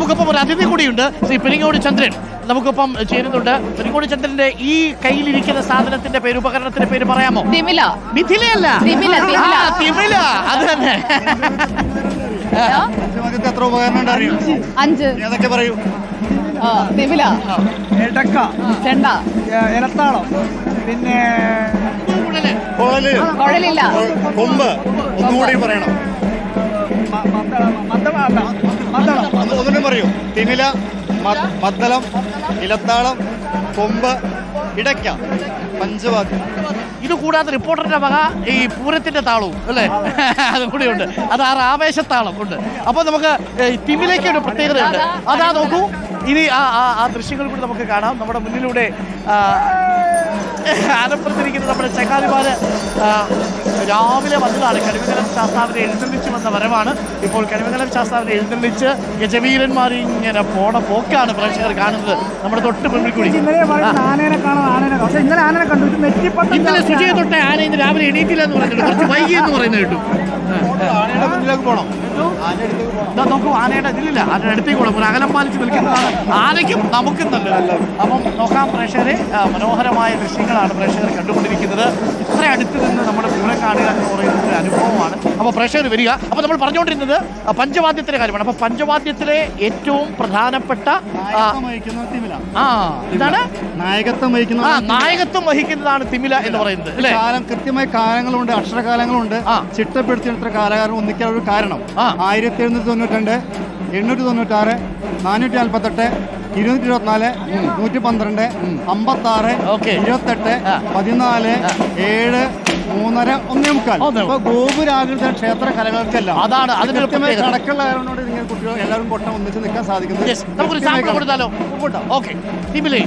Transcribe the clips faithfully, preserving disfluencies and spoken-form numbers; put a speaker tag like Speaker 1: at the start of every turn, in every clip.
Speaker 1: നമുക്കൊപ്പം ഒരു അതിഥി കൂടിയുണ്ട്, ശ്രീ പെരിങ്ങോട് ചന്ദ്രൻ നമുക്കൊപ്പം ചേരുന്നുണ്ട്. പെരിങ്ങോട് ചന്ദ്രന്റെ ഈ കയ്യിലിരിക്കുന്ന സാധനത്തിന്റെ പേര്, ഉപകരണത്തിന്റെ പേര് പറയാമോ?
Speaker 2: തിമില.
Speaker 1: മിഥിലയല്ല, തിമില. അത് തന്നെ.
Speaker 3: എത്ര ഉപകരണം അറിയോ?
Speaker 2: അഞ്ച്.
Speaker 3: ഏതൊക്കെ പറയൂ?
Speaker 2: തിമില,
Speaker 4: എടക്ക,
Speaker 2: ചെണ്ട,
Speaker 4: ഇലത്താളം, പിന്നെ
Speaker 3: കുഴല്,
Speaker 2: കുഴലില്ല,
Speaker 3: കൊമ്പ്. ഒന്നുകൂടി പറയണം. ഒന്നുകൂടി പറയൂ. തിമില, മദ്ദളം, ഇലത്താളം, കൊമ്പ്, ഇടയ്ക്ക, പഞ്ചവാദ്യം.
Speaker 1: ഇത് കൂടാതെ റിപ്പോർട്ടറിന്റെ വക ഈ പൂരത്തിന്റെ താളവും അല്ലേ, അതും കൂടി ഉണ്ട്. അത് ആ ആവേശത്താളം ഉണ്ട്. അപ്പോൾ നമുക്ക് തിമിലേക്ക് ഒരു പ്രത്യേകതയുണ്ട്. അതാ നോക്കൂ, ഇനി ആ ആ ദൃശ്യങ്ങൾ കൂടി നമുക്ക് കാണാം. നമ്മുടെ മുന്നിലൂടെ ആലപ്പുറത്തിരിക്കുന്ന നമ്മുടെ ചങ്ങാതിമാര് രാവിലെ വന്നതാണ്. കണിമംഗലം ശാസ്താവിനെ എഴുന്നള്ളിച്ച് വന്ന വരവാണ്. ഇപ്പോൾ കണിമംഗലം ശാസ്താവിനെ എഴുന്നള്ളിച്ച് ഗജവീരന്മാർ ഇങ്ങനെ പോണ പോക്കാണ് പ്രേക്ഷകർ കാണുന്നത്. നമ്മുടെ തൊട്ട് മുന്നിൽ കൂടി ഇന്നലെ സുജയെ തൊട്ട് ആന ഇന്ന് രാവിലെ എണീറ്റില്ല എന്ന് പറഞ്ഞിട്ട് കുറച്ച് വൈകി എന്ന് പറയുന്നത് കേട്ടു.
Speaker 3: ആനയുടെ മുന്നിലേക്ക് പോകണം.
Speaker 1: നോക്കൂ, ആനയുടെ ഇതിലില്ല, ആനയുടെ അടുത്തേക്ക് പോകണം. ഒരു അകലം പാലിച്ച് നിൽക്കുന്നതാണ് ആനയ്ക്കും നമുക്കും നല്ലത്. അപ്പം നോക്കാം പ്രേക്ഷകരെ, മനോഹരമായ ദൃശ്യങ്ങളാണ് പ്രേക്ഷകർ കണ്ടുകൊണ്ടിരിക്കുന്നത്. ഇത്ര അടുത്ത് നിന്ന് നമ്മുടെ പൂരം കാണുക എന്ന് പറയുന്ന ഒരു അനുഭവമാണ്. അപ്പോൾ പ്രേക്ഷകർ വരിക. അപ്പോൾ നമ്മൾ പറഞ്ഞുകൊണ്ടിരുന്നത് പഞ്ചവാദ്യത്തിന്റെ കാര്യമാണ്. അപ്പോൾ പഞ്ചവാദ്യത്തിലെ ഏറ്റവും പ്രധാനപ്പെട്ട ആ ഇതാണ്
Speaker 3: നായകത്വം വഹിക്കുന്ന
Speaker 1: ആ നായകത്വം വഹിക്കുന്നതാണ് തിമില എന്ന് പറയുന്നത് അല്ലേ?
Speaker 3: കാലം കൃത്യമായ കാലങ്ങളുണ്ട്, അക്ഷരകാലങ്ങളുണ്ട്. ചിട്ടപ്പെടുത്തിയെടുത്ത കാലകാലം ഒന്നിക്കാൻ ഒരു കാരണം ആയിരത്തി എഴുന്നൂറ്റി തൊണ്ണൂറ്റി രണ്ട് എണ്ണൂറ്റി തൊണ്ണൂറ്റാറ് നാനൂറ്റി നാൽപ്പത്തെട്ട് ഇരുന്നൂറ്റി ഇരുപത്തിനാല് നൂറ്റി പന്ത്രണ്ട് അമ്പത്തി ആറ് ഇരുപത്തെട്ട് പതിനാല് ഏഴ് മൂന്നര ഒന്നേ മുക്കാൽ. ഗോപുരാകൃത ക്ഷേത്ര കലകൾക്കെല്ലാം
Speaker 1: അതാണ് അതിന്
Speaker 3: കണക്കുള്ള കാരണോട് നിങ്ങൾ കുട്ടികൾ എല്ലാവരും കൊട്ടം ഒന്നിച്ച് നിൽക്കാൻ സാധിക്കുന്നത്.
Speaker 1: നമുക്കൊരു സാമ്പിൾ കൊടുത്താലോ? ഓക്കെ, തിമിലേ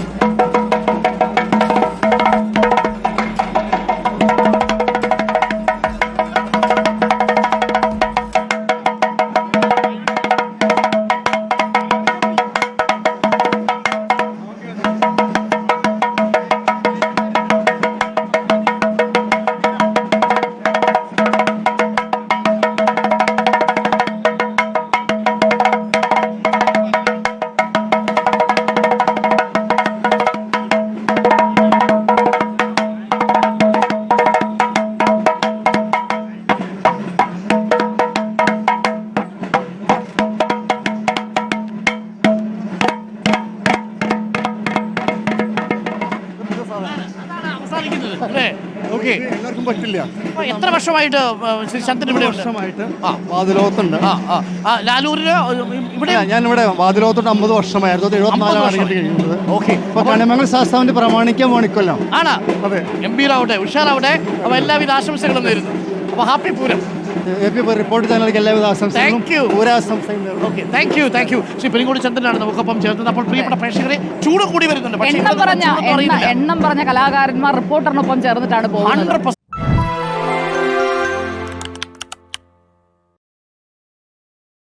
Speaker 3: എല്ലാവർക്കും പറ്റില്ല.
Speaker 1: എത്ര വർഷമായിട്ട് ശ്രീ ചന്ദ്രൻ ഇവിടെ
Speaker 3: വർഷമായിട്ട് വാതിലോത്തുണ്ട്.
Speaker 1: ലാലൂരിന് ഇവിടെ
Speaker 3: ഞാൻ ഇവിടെ വാതിലോത്തോട്ട് അമ്പത് വർഷമായിരുന്നു. എഴുപത്തിനാലാണ് കഴിയുന്നത്.
Speaker 1: ഓക്കെ,
Speaker 3: അപ്പൊ കണിമംഗലം ശാസ്താവിന്റെ പ്രമാണിക്കാൻ പോണിക്കൊല്ലാം
Speaker 1: ആണ്.
Speaker 3: അതെ,
Speaker 1: ഗംഭീരാവട്ടെ, ഉഷാറാവട്ടെ. അപ്പൊ എല്ലാവിധ ആശംസകളും നേരുന്നു. അപ്പൊ ഹാപ്പി പൂരം.
Speaker 3: റിപ്പോർട്ട് ചാനലിലേക്ക് എല്ലാവിധ ആശംസകളും.
Speaker 1: Okay, thank you, thank you. Shri Peringode ചന്ദ്രനാണ് നമുക്കൊപ്പം ചേർന്നത്. അപ്പോൾ പ്രിയപ്പെട്ട പ്രേക്ഷകരെ, ചൂട് കൂടി വരുന്നുണ്ട്.
Speaker 2: എണ്ണം പറഞ്ഞ എണ്ണം പറഞ്ഞ കലാകാരന്മാർ റിപ്പോർട്ടറിനൊപ്പം ചേർന്നിട്ടാണ് പോകുന്നത്.